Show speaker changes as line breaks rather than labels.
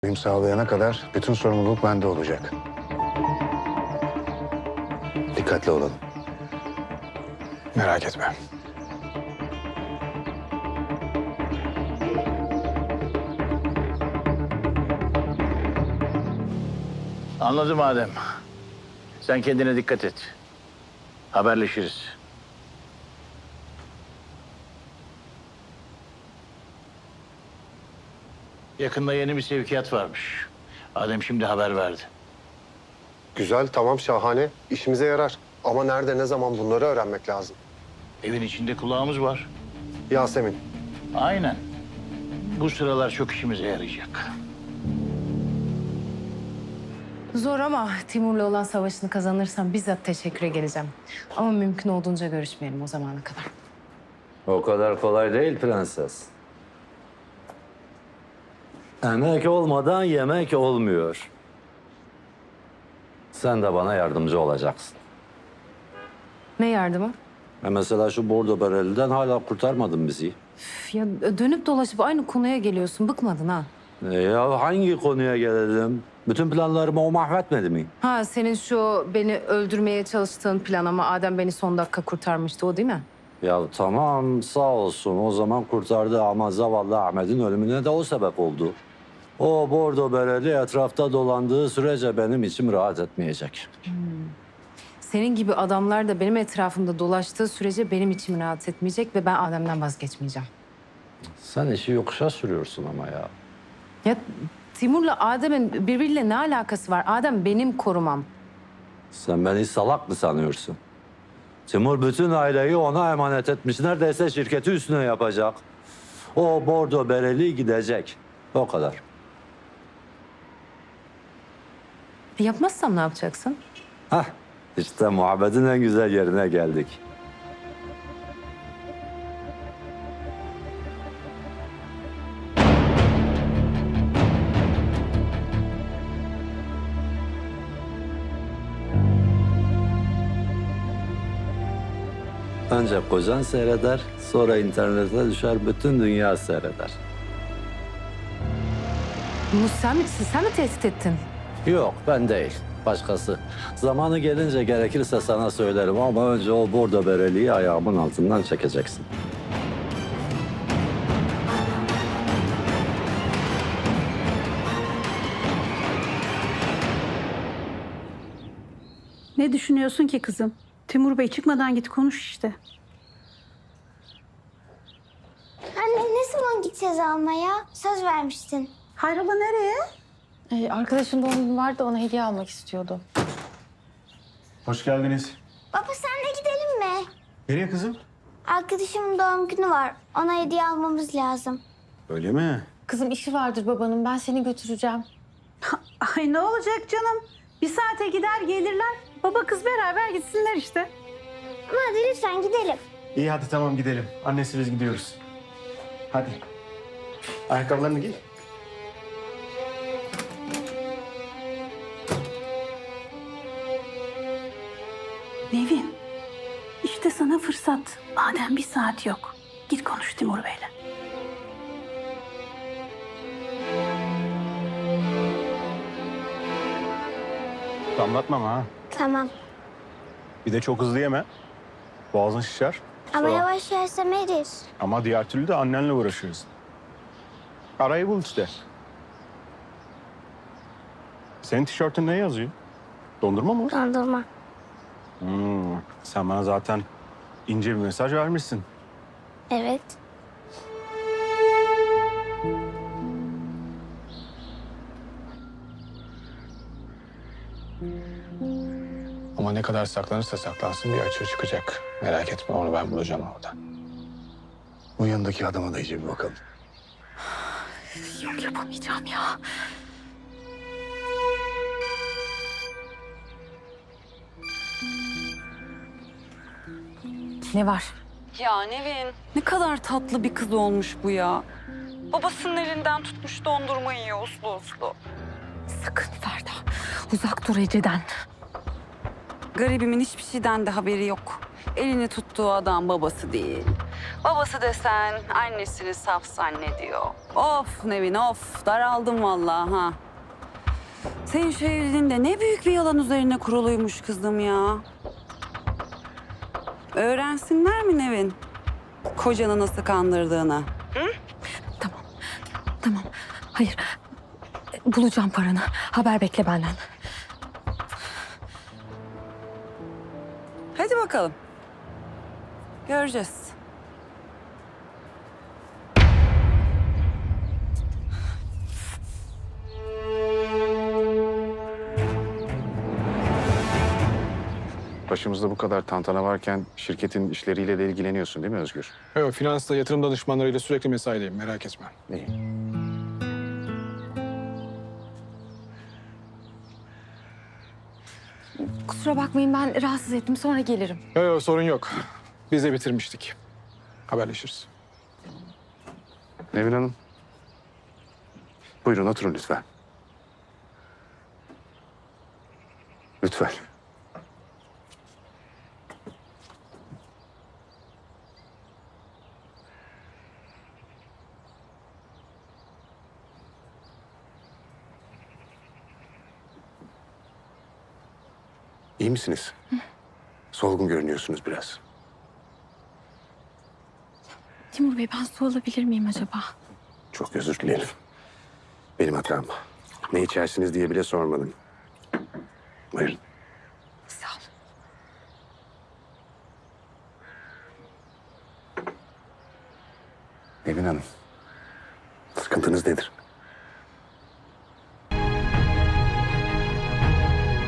Uyum sağlayana kadar bütün sorumluluk bende olacak. Dikkatli olalım.
Merak etme.
Anladım Adem. Sen kendine dikkat et. Haberleşiriz. Yakında yeni bir sevkiyat varmış. Adem şimdi haber verdi.
Güzel, tamam, şahane. İşimize yarar. Ama nerede, ne zaman bunları öğrenmek lazım.
Evin içinde kulağımız var.
Yasemin,
Aynen. Bu sıralar çok işimize yarayacak.
Zor ama Timur'la olan savaşını kazanırsam bizzat teşekküre geleceğim. Ama mümkün olduğunca görüşmeyelim o zamana kadar.
O kadar kolay değil prenses. Emek olmadan yemek olmuyor. Sen de bana yardımcı olacaksın.
Ne yardımı?
Mesela şu bordo bereliden hala kurtarmadın bizi.
Üf, ya dönüp dolaşıp aynı konuya geliyorsun. Bıkmadın ha?
Ya hangi konuya gelelim? Bütün planlarımı o mahvetmedi mi?
Ha senin şu beni öldürmeye çalıştığın plan ama Adem beni son dakika kurtarmıştı o değil mi?
Ya tamam sağ olsun o zaman kurtardı ama zavallı Ahmet'in ölümüne de o sebep oldu. O bordo bereli etrafta dolandığı sürece benim içim rahat etmeyecek.
Senin gibi adamlar da benim etrafımda dolaştığı sürece benim içim rahat etmeyecek ve ben Adem'den vazgeçmeyeceğim.
Sen işi yokuşa sürüyorsun ama ya.
Ya Timur'la Adem'in birbiriyle ne alakası var? Adem benim korumam.
Sen beni salak mı sanıyorsun? Timur bütün aileyi ona emanet etmiş. Neredeyse şirketi üstüne yapacak. O bordo bereli gidecek. O kadar.
Yapmazsam ne yapacaksın?
Hah, işte muhabbetin en güzel yerine geldik. Önce kocan seyreder, sonra internete düşer, bütün dünya seyreder.
Bunu sen mi tehdit ettin?
Yok, ben değil. Başkası. Zamanı gelince gerekirse sana söylerim ama önce o bordo bereliği ayağımın altından çekeceksin.
Ne düşünüyorsun ki kızım? Timur Bey çıkmadan git konuş işte.
Anne ne zaman gideceğiz almaya? Söz vermiştin.
Hayrola nereye?
Arkadaşın doğum günü vardı, ona hediye almak istiyordu.
Hoş geldiniz.
Baba senle gidelim mi?
Nereye kızım?
Arkadaşımın doğum günü var. Ona hediye almamız lazım.
Öyle mi?
Kızım işi vardır babanın, ben seni götüreceğim.
Ay ne olacak canım? Bir saate gider gelirler. Baba kız beraber gitsinler işte.
Ama hadi lütfen gidelim.
İyi hadi tamam gidelim. Annesi biz gidiyoruz. Hadi. Ayakkabılarını giy.
Nevin, işte sana fırsat. Madem bir saat yok. Git konuş Timur Bey'le.
Damlatmam ha.
Tamam.
Bir de çok hızlı yeme. Boğazın şişer.
Ama
Sonra-
yavaş yersem erir.
Ama diğer türlü de annenle uğraşıyoruz. Arayı bul işte. Senin tişörtün ne yazıyor? Dondurma mı?
Dondurma.
Sen bana zaten ince bir mesaj vermişsin.
Evet.
Ama ne kadar saklanırsa saklansın bir açığı çıkacak. Merak etme onu ben bulacağım orada.
Bu yanındaki adama da iyice bir bakalım.
Yok yapamayacağım ya.
Ne var?
Ya Nevin, ne kadar tatlı bir kız olmuş bu ya. Babasının elinden tutmuş dondurma yiyor uslu uslu.
Sakın Ferda. Uzak dur Ece'den.
Garibimin hiçbir şeyden de haberi yok. Elini tuttuğu adam babası değil. Babası desen annesini saf zannediyor. Of Nevin of, daraldım vallahi ha. Senin şu evliliğin de ne büyük bir yalan üzerine kuruluymuş kızım ya. Öğrensinler mi Nevin? Kocanı nasıl kandırdığını.
Tamam. Hayır. Bulacağım paranı. Haber bekle benden.
Hadi bakalım. Göreceğiz.
Başımızda bu kadar tantana varken şirketin işleriyle de ilgileniyorsun değil mi Özgür?
Evet, finansla yatırım danışmanlarıyla sürekli mesaideyim. Merak etme.
İyi.
Kusura bakmayın ben rahatsız ettim. Sonra gelirim.
Yok sorun yok. Biz de bitirmiştik. Haberleşiriz.
Nevin Hanım. Buyurun oturun lütfen. Lütfen. İyi misiniz? Solgun görünüyorsunuz biraz.
Timur Bey ben su alabilir miyim acaba?
Çok özür dilerim. Benim hatam. Ne içersiniz diye bile sormadım. Buyurun.
Sağ ol.
Nevin Hanım. Sıkıntınız nedir?